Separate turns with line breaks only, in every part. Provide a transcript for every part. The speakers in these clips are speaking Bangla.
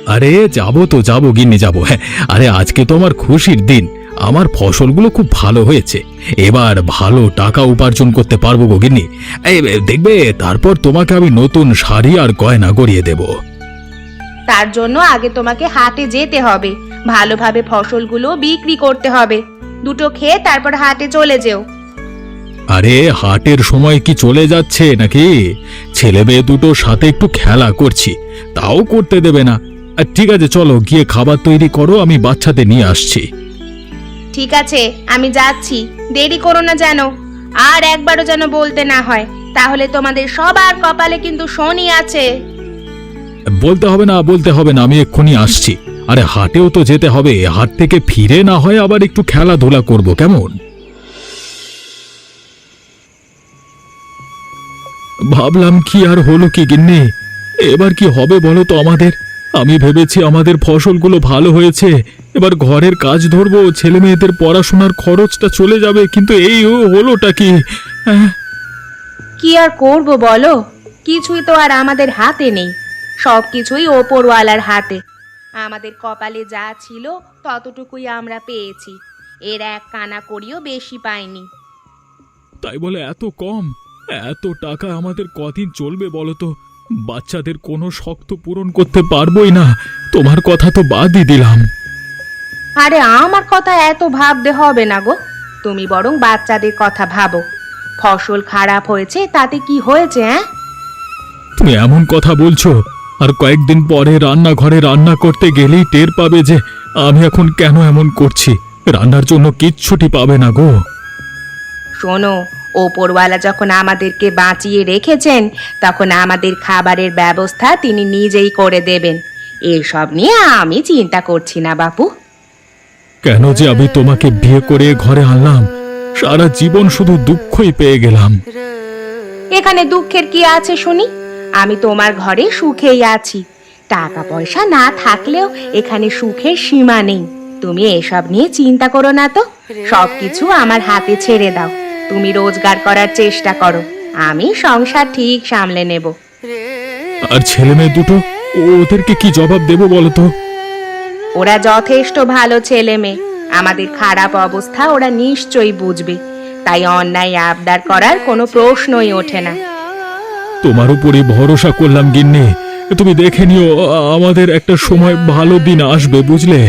আরে যাবো তো যাবো গিন্নি যাবো। হ্যাঁ, আরে আজকে তো আমার খুশির দিন। আমার ফসলগুলো খুব ভালো হয়েছে। এবার ভালো টাকা উপার্জন করতে পারবো গো গিন্নি। এই দেখবে, তারপর তোমাকে আমি নতুন শাড়ি আর গয়না গড়িয়ে দেব।
তার জন্য আগে তোমাকে হাটে যেতে হবে, ভালোভাবে ফসলগুলো বিক্রি করতে হবে। দুটো খেয়ে তারপর হাটে চলে যেও।
আরে হাটের সময় কি চলে যাচ্ছে নাকি? ছেলে মেয়ে দুটোর সাথে একটু খেলা করছি, তাও করতে দেবে না। ঠিক আছে, চলো গিয়ে খাবার তৈরি করো, আমি বাচ্চাদের নিয়ে আসছি।
ঠিক আছে, আমি যাচ্ছি, দেরি করো না যেন। আর একবারও যেন বলতে না হয়, তাহলে তোমাদের সবার কপালে কিন্তু শনি আছে।
বলতে হবে না, বলতে হবে না, আমি এক্ষুনি আসছি। আরে হাটেও তো যেতে হবে, হাট থেকে ফিরে না হয় আবার একটু খেলাধুলা করব, কেমন? ভাবলাম কি আর হলো কি গিন্নি, এবার কি হবে বলো তো আমাদের? আমি ভেবেছি আমাদের ফসলগুলো ভালো হয়েছে, এবার ঘরের কাজ ধরবো, ছেলে মেয়েদের পড়াশোনার খরচটা চলে যাবে, কিন্তু এই হলোটা কি?
কি আর করব বলো, কিছুই তো আর আমাদের হাতে নেই, সবকিছুই ওপরওয়ালার হাতে। আমাদের কপালে যা ছিল ততটুকুই আমরা পেয়েছি, এর এক কানা করিও বেশি পাইনি।
তাই বলে এত কম? এত টাকা আমাদের কদিন চলবে বলো তো? বাচ্চাদের কোনো শখ তো পূরণ করতে পারবোই না, তোমার কথা তো বাদই দিলাম।
আরে আমার কথা এত ভাবতে হবে না গো, তুমি বরং বাচ্চাদের কথা ভাবো। ফসল খারাপ হয়েছে তাতে কি হয়েছে?
তুমি এমন কথা বলছো, আর কয়েকদিন পরে রান্নাঘরে রান্না করতে গেলেই টের পাবে যে আমি এখন কেন এমন করছি। রান্নার জন্য কিচ্ছুটি পাবে না গো।
শোনো, ওপরওয়ালা যখন আমাদেরকে বাঁচিয়ে রেখেছেন, তখন আমাদের খাবারের ব্যবস্থা তিনি নিজেই করে দেবেন। এসব নিয়ে আমি চিন্তা করছি না বাপু।
কেন যে আমি তোমাকে বিয়ে করে ঘরে আনলাম, সারা জীবন শুধু দুঃখই পেয়ে গেলাম।
এখানে দুঃখের কি আছে শুনি? আমি তোমার ঘরে সুখেই আছি। টাকা পয়সা না থাকলেও এখানে সুখের সীমা নেই। তুমি এসব নিয়ে চিন্তা করো না তো, সবকিছু আমার হাতে ছেড়ে দাও। তুমি রোজগার করার চেষ্টা করো, আমি সংসার ঠিক সামলে নেব।
আর ছেলে মেয়ে দুটো, ওদেরকে কি জবাব দেবো বলো তো?
ওরা যথেষ্ট ভালো ছেলে মেয়ে, আমাদের খারাপ অবস্থা ওরা নিশ্চয়ই বুঝবে, তাই অন্যায় আবদার করার কোনো প্রশ্নই ওঠে না।
তোমার উপরে ভরসা করলাম গিন্নি, তুমি দেখে নিও, আমাদের একটা সময় ভালো দিন আসবে, বুঝলে?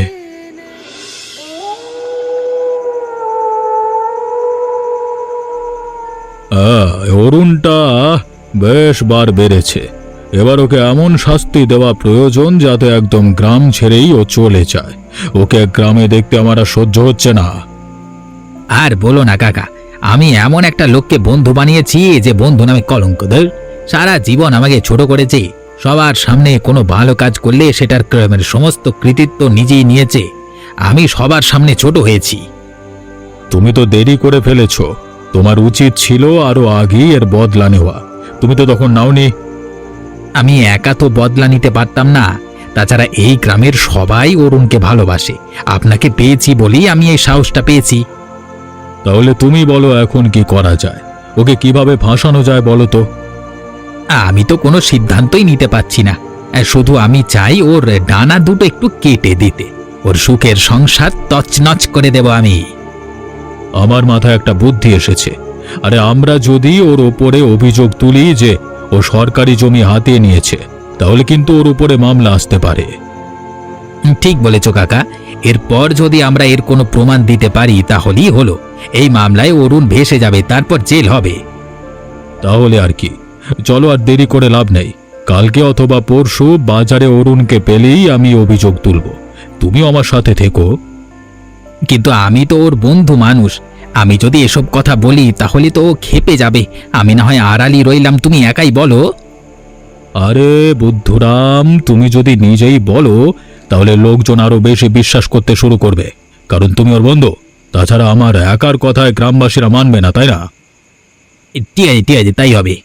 অরুণটা বেশ বার বেড়েছে, এবার ওকে এমন শাস্তি দেওয়া প্রয়োজন যাতে একদম গ্রাম ছেড়েই ও চলে যায়। ওকে গ্রামে দেখতে আমার আর সহ্য হচ্ছে না।
আর বলো না কাকা, আমি এমন একটা লোককে বন্ধু বানিয়েছি যে বন্ধু নামে কলঙ্ক। সারা জীবন আমাকে ছোট করেছে, সবার সামনে কোনো ভালো কাজ করলে সেটার সমস্ত কৃতিত্ব নিজেই নিয়েছে। আমি সবার সামনে ছোট হয়েছি।
তুমি তো দেরি করে ফেলেছো, তোমার উচিত ছিল আরো আগেই এর বদলা নেওয়া, তুমি তো তখন নাওনি।
আমি একা তো বদলা নিতে পারতাম না, তাছাড়া এই গ্রামের সবাই অরুণকে ভালোবাসে। আপনাকে পেয়েছি বলেই আমি এই সাহসটা পেয়েছি।
তাহলে তুমি বলো এখন কি করা যায়, ওকে কিভাবে ফাঁসানো যায় বলো তো?
আমি তো কোনো সিদ্ধান্তই নিতে পারছি না, শুধু আমি চাই ওর ডানা দুটো একটু কেটে দিতে, ওর সুখের সংসার তছনছ করে দেব আমি।
আমার মাথায় একটা বুদ্ধি এসেছে। আরে আমরা যদি ওর ওপরে অভিযোগ তুলি যে ও সরকারি জমি হাতিয়ে নিয়েছে, তাহলে কিন্তু ওর উপরে মামলা আসতে পারে।
ঠিক বলেছ কাকা, এরপর যদি আমরা এর কোনো প্রমাণ দিতে পারি তাহলেই হলো। এই মামলায় অরুণ ভেসে যাবে, তারপর জেল হবে।
তাহলে আর কি, চলো আর দেরি করে লাভ নেই। কালকে অথবা পরশু বাজারে অরুণকে পেলেই আমি অভিযোগ তুলব, তুমিও আমার সাথে থেকো।
কিন্তু আমি তো ওর বন্ধু মানুষ, আমি যদি এসব কথা বলি তাহলে তো ও ক্ষেপে যাবে। আমি না হয় আড়ালি রইলাম, তুমি একাই বলো।
আরে বুদ্ধুরাম, তুমি যদি নিজেই বলো তাহলে লোকজন আরো বেশি বিশ্বাস করতে শুরু করবে, কারণ তুমি ওর বন্ধু। তাছাড়া আমার একার কথায় গ্রামবাসীরা মানবে না, তাই না?
ঠিক আছে ঠিক আছে, তাই হবে।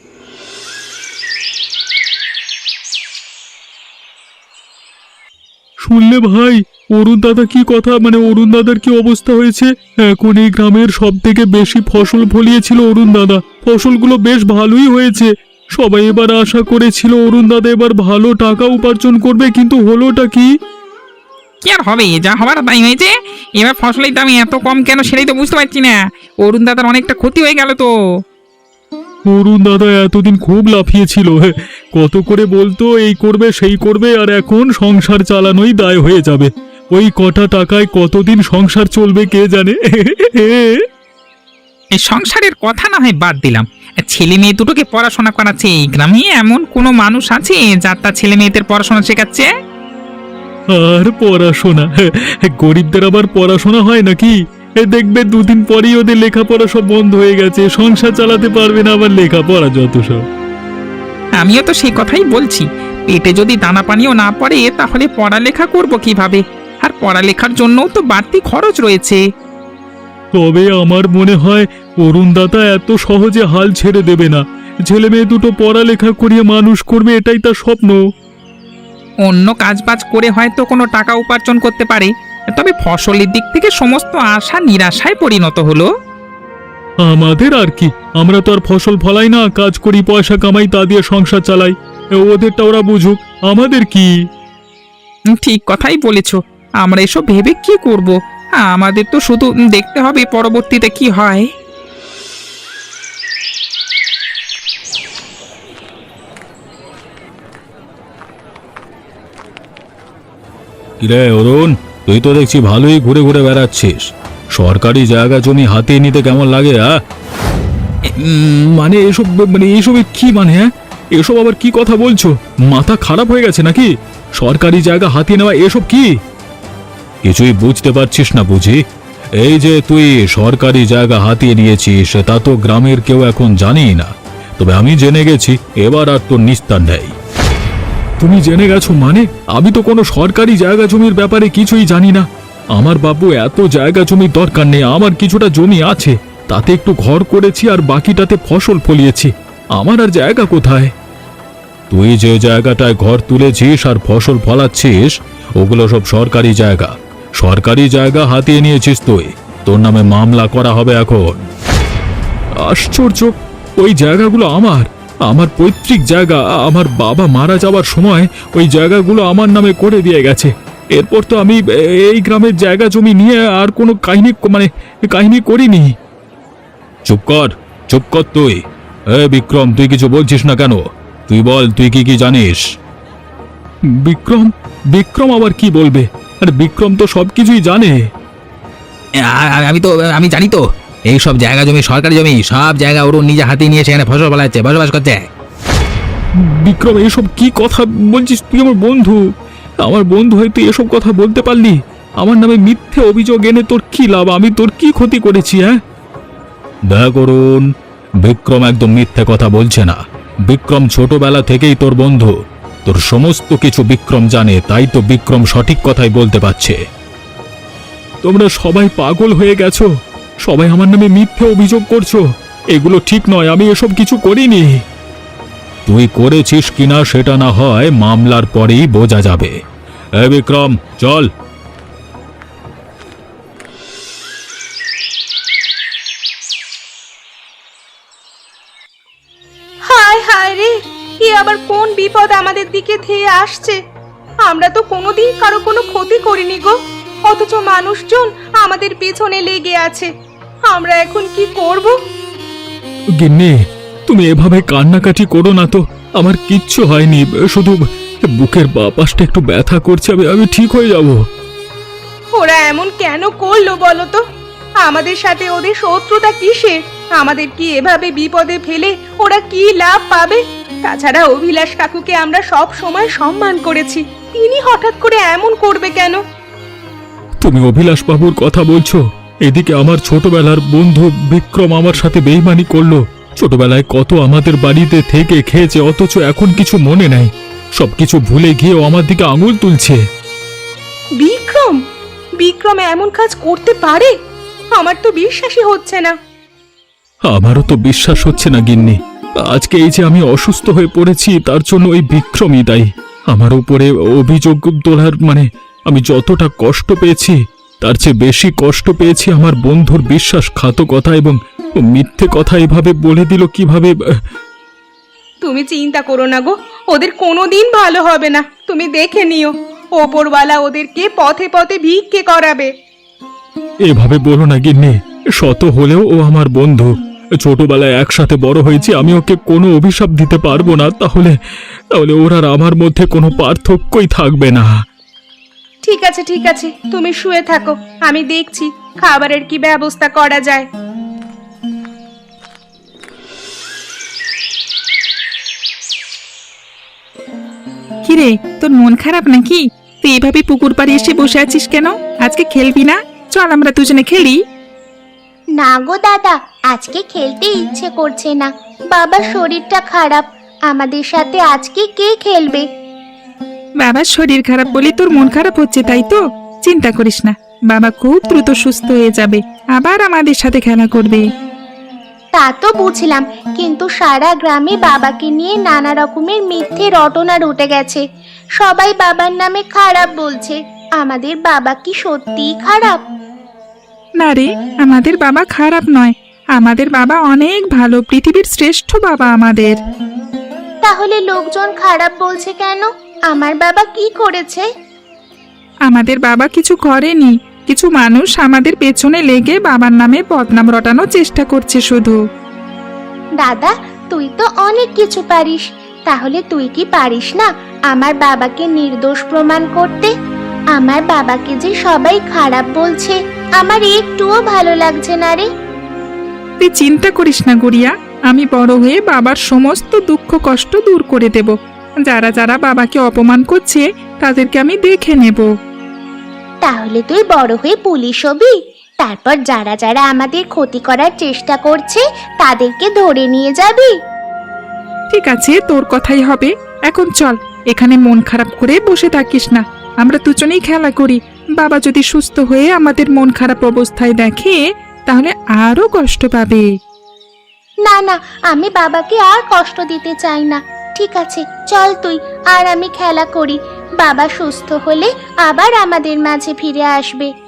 শুনলে ভাই, অরুণ দাদা কি কথা, মানে অরুণ দাদার কি অবস্থা হয়েছে? এখন এই গ্রামের সব থেকে বেশি ফসল ফলিয়েছিল অরুণ দাদা, ফসলগুলো বেশ ভালোই হয়েছে। সবাই এবার আশা করেছিল অরুণ দাদা এবার ভালো টাকা উপার্জন করবে, কিন্তু হলোটা কি?
কি আর হবে, যা হবার তাই হয়েছে। এবার ফসলের দাম এত কম কেন সেটাই তো বুঝতে পারছি না। অরুণ দাদার অনেকটা ক্ষতি হয়ে গেল তো।
অরুণ দাদা এতদিন খুব লাফিয়েছিল, কত করে বলতো এই করবে সেই করবে, আর এখন সংসার চালানোই দায় হয়ে যাবে। ওই কটা টাকায় কতদিন সংসার চলবে কে জানে।
এই সংসারের কথা না হয় বাদ দিলাম, ছেলে মেয়ে দুটোকে পড়াশোনা করাচ্ছে। এই গ্রামে এমন কোনো মানুষ আছে যার তার ছেলে মেয়েদের পড়াশোনা শেখাচ্ছে?
আর পড়াশোনা, গরিবদের আবার পড়াশোনা হয় নাকি? দেখবে দুদিন পরেই ওদের লেখাপড়া সব বন্ধ হয়ে গেছে, সংসার চালাতে পারবে না, আবার লেখাপড়া যত সব।
আমিও তো সেই কথাই বলছি, পেটে যদি দানা পানিও না পড়ে তাহলে পড়ালেখা করব কিভাবে? আর পড়ালেখার জন্যও তো বাড়তি খরচ রয়েছে।
তবে আমার মনে হয় অরুণ দাদা এত সহজে হাল ছেড়ে দেবে না। ছেলে মেয়ে দুটো পড়ালেখা করিয়ে মানুষ করবে, এটাই তার স্বপ্ন।
অন্য কাজবাজ করে হয়তো কোনো টাকা উপার্জন করতে পারে, তবে ফসলের দিক থেকে সমস্ত আশা নিরাশায় পরিণত হলো।
আমাদের আর কি, আমরা তো আর ফসল ফলাই না, কাজ করি, পয়সা কামাই, তা দিয়ে সংসার চালাই। ওদেরটা ওরা বুঝুক, আমাদের কি?
ঠিক কথাই বলেছ, আমরা এসব ভেবে কি করব? আমাদের তো শুধু দেখতে হবে পরবর্তীতে কি হয়।
কিরে অরুণ, তুই তো দেখছি ভালোই ঘুরে ঘুরে বেড়াচ্ছিস। সরকারি জায়গা জমি হাতে নিতে কেমন লাগে? মানে এসব, মানে এসবে কি মানে? এসব আবার কি কথা বলছো? মাথা খারাপ হয়ে গেছে নাকি? সরকারি জায়গা হাতিয়ে নেওয়া এসব কি? কিছুই বুঝতে পারছিস না বুঝি? এই যে তুই সরকারি জায়গা হাতিয়ে নিয়েছিস তা তো গ্রামের কেউ এখন জানেই না, তবে আমি জেনে গেছি, এবার আর তোর নিস্তার নেই। তুমি জেনে গেছো মানে? আমি তো কোনো সরকারি জায়গা জমির ব্যাপারে কিছুই জানি না। আমার বাবু এত জায়গা জমির দরকার নেই, আমার কিছুটা জমি আছে, তাতে একটু ঘর করেছি আর বাকিটাতে ফসল ফলিয়েছি। আমার আর জায়গা কোথায়? তুই যে জায়গাটায় ঘর তুলেছিস আর ফসল ফলাচ্ছিস ওগুলো সব সরকারি জায়গা। সরকারি জায়গা হাতিয়ে নিয়েছিস তুই, তোর নামে মামলা করা হবে এখন। আশ্চর্য, ওই জায়গাগুলো আমার, আমার পৈতৃক জায়গা। আমার বাবা মারা যাওয়ার সময় ওই জায়গাগুলো আমার নামে করে দিয়ে গেছে। এরপর তো আমি এই গ্রামের জায়গা জমি নিয়ে আর কোনো কাহিনী করিনি। চুপ কর, চুপ কর তুই। বিক্রম, তুই কিছু বলছিস না কেন? তুই বল, তুই কি কি জানিস? বিক্রম? বিক্রম আবার কি বলবে? আর বিক্রম তো সবকিছুই জানে।
আমি জানি তো, এই সব জায়গা জমি সরকারি জমি, সব জায়গা ওর নিজে হাতে নিয়ে সেখানে ফসল ফলাচ্ছে, বসবাস করছে।
বিক্রম, এসব কি কথা বলছিস? তুই আমার বন্ধু, আমার বন্ধু হয়ে তুই এসব কথা বলতে পারলি? আমার নামে মিথ্যে অভিযোগ এনে তোর কি লাভ? আমি তোর কি ক্ষতি করেছি? দেখ অরুণ, বিক্রম একদম মিথ্যে কথা বলছে না। বিক্রম ছোটবেলা থেকেই তোর বন্ধু, তোর সমস্ত কিছু বিক্রম জানে, তাই তো বিক্রম সঠিক কথাই বলতে পারছে। তোমরা সবাই পাগল হয়ে গেছো, সবাই আমার নামে মিথ্যে অভিযোগ করছো। এগুলো ঠিক নয়, আমি এসব কিছু করিনি। তুই করেছিস কিনা সেটা না হয় মামলার পরেই বোঝা যাবে। বিক্রম, চল।
হায় হায় রে, এ আবার কোন বিপদ আমাদের দিকে ধেয়ে আসছে? আমরা তো কোনোদিন কারো কোনো ক্ষতি করিনি গো, অথচ মানুষজন আমাদের পেছনে লেগে আছে। আমরা এখন কি করব?
গিন্নি, তুমি এভাবে কান্নাকাটি করো না তো। আমার কিচ্ছু হয়নি, শুধু বুকের বাঁ পাশটা একটু ব্যথা করছে। আমি ঠিক হয়ে যাব।
ওরা এমন কেন করলো বলো তো? আমাদের সাথে ওদের শত্রুতা কিসের? আমাদের কি এভাবে বিপদে ফেলে ওরা কি লাভ পাবে? তাছাড়া অভিলাষ কাকুকে আমরা সব সময় সম্মান করেছি, তিনি হঠাৎ করে এমন করবে কেন?
তুমি অভিলাষ বাবুর কথা বলছো? এদিকে আমার ছোটবেলার বন্ধু বিক্রম আমার সাথে বেইমানি করলো। ছোটবেলায় কত আমাদের বাড়িতে থেকে খেয়েছে, অথচ এখন কিছু মনে নাই। সবকিছু ভুলে গিয়েও আমার দিকে আঙুল তুলছে।
বিক্রম? বিক্রম এমন কাজ করতে পারে? আমার তো বিশ্বাসই হচ্ছে না।
আমারও তো বিশ্বাস হচ্ছে না গিন্নি। আজকে এই যে আমি অসুস্থ হয়ে পড়েছি, তার জন্য ওই বিক্রমই দায়ী। আমার উপরে অভিযোগ তোলার আমি যতটা কষ্ট পেয়েছি তার চেয়ে বেশি কষ্ট পেয়েছি আমার বন্ধুর বিশ্বাসঘাতকতা এবং মিথ্যে কথা এভাবে বলে দিল কিভাবে।
তুমি চিন্তা করো না গো, ওদের কোনোদিন ভালো হবে না, তুমি দেখে নিও। ওপরওয়ালা ওদেরকে পথে পথে ভিক্ষে করাবে।
এভাবে বলো না গিন্নি, শত হলেও ও আমার বন্ধু। ছোটবেলায় একসাথে বড় হয়েছি, আমি ওকে কোনো অভিশাপ দিতে পারবো না। তাহলে তাহলে ওর আর আমার মধ্যে কোনো পার্থক্যই থাকবে না।
ঠিক আছে ঠিক আছে, তুমি শুয়ে থাকো, আমি দেখছি খাবারের কি ব্যবস্থা করা যায়।
কিরে, তোর মন খারাপ নাকি? তুই এভাবে পুকুর পাড়ে এসে বসে আছিস কেন? আজকে খেলবি না? চল আমরা দুজনে খেলি।
না গো দাদা, আজকে খেলতে ইচ্ছে করছে না। বাবার শরীরটা খারাপ, আমাদের সাথে আজকে কে খেলবে?
বাবার শরীর খারাপ বলে তোর মন খারাপ হচ্ছে, তাই তো? চিন্তা করিস না, বাবা খুব দ্রুত সুস্থ হয়ে যাবে, আবার আমাদের সাথে খেলা করবে।
তা তো বুঝলাম, কিন্তু সারা গ্রামে বাবাকে নিয়ে নানা রকমের মিথ্যে রটনা রটে গেছে। সবাই বাবার নামে খারাপ বলছে। আমাদের বাবা কি সত্যিই খারাপ?
না রে, আমাদের বাবা খারাপ নয়, আমাদের বাবা অনেক ভালো, পৃথিবীর শ্রেষ্ঠ বাবা আমাদের।
তাহলে লোকজন খারাপ বলছে কেন? আমার বাবা কি করেছে?
আমাদের বাবা কিছু করেনি, কিছু মানুষ আমাদের পেছনে লেগে বাবার নামে বদনাম রটানোর চেষ্টা করছে শুধু।
দাদা, তুই তো অনেক কিছু পারিস, তাহলে তুই কি পারিস না আমার বাবাকে নির্দোষ প্রমাণ করতে? আমার বাবাকে যে সবাই খারাপ বলছে, আমার একটুও ভালো লাগছে না রে।
তুই চিন্তা করিস না গুড়িয়া, আমি বড় হয়ে বাবার সমস্ত দুঃখ কষ্ট দূর করে দেব। যারা যারা বাবাকে অপমান করছে তাদেরকে আমি দেখে নেব।
তাহলে তুই বড় হয়ে পুলিশ হবি, তারপর যারা যারা আমাদের ক্ষতি করার চেষ্টা করছে তাদেরকে ধরে নিয়ে যাবি।
ঠিক আছে, তোর কথাই হবে। এখন চল, এখানে মন খারাপ করে বসে থাকিস না, আমরা দুজনেই খেলা করি। বাবা যদি সুস্থ হয়ে আমাদের মন খারাপ অবস্থায় দেখে তাহলে আরো কষ্ট পাবে।
না না, আমি বাবাকে আর কষ্ট দিতে চাই না। ঠিক আছে, চল তুই আর আমি খেলা করি। বাবা সুস্থ হলে আবার আমাদের মাঝে ফিরে আসবে।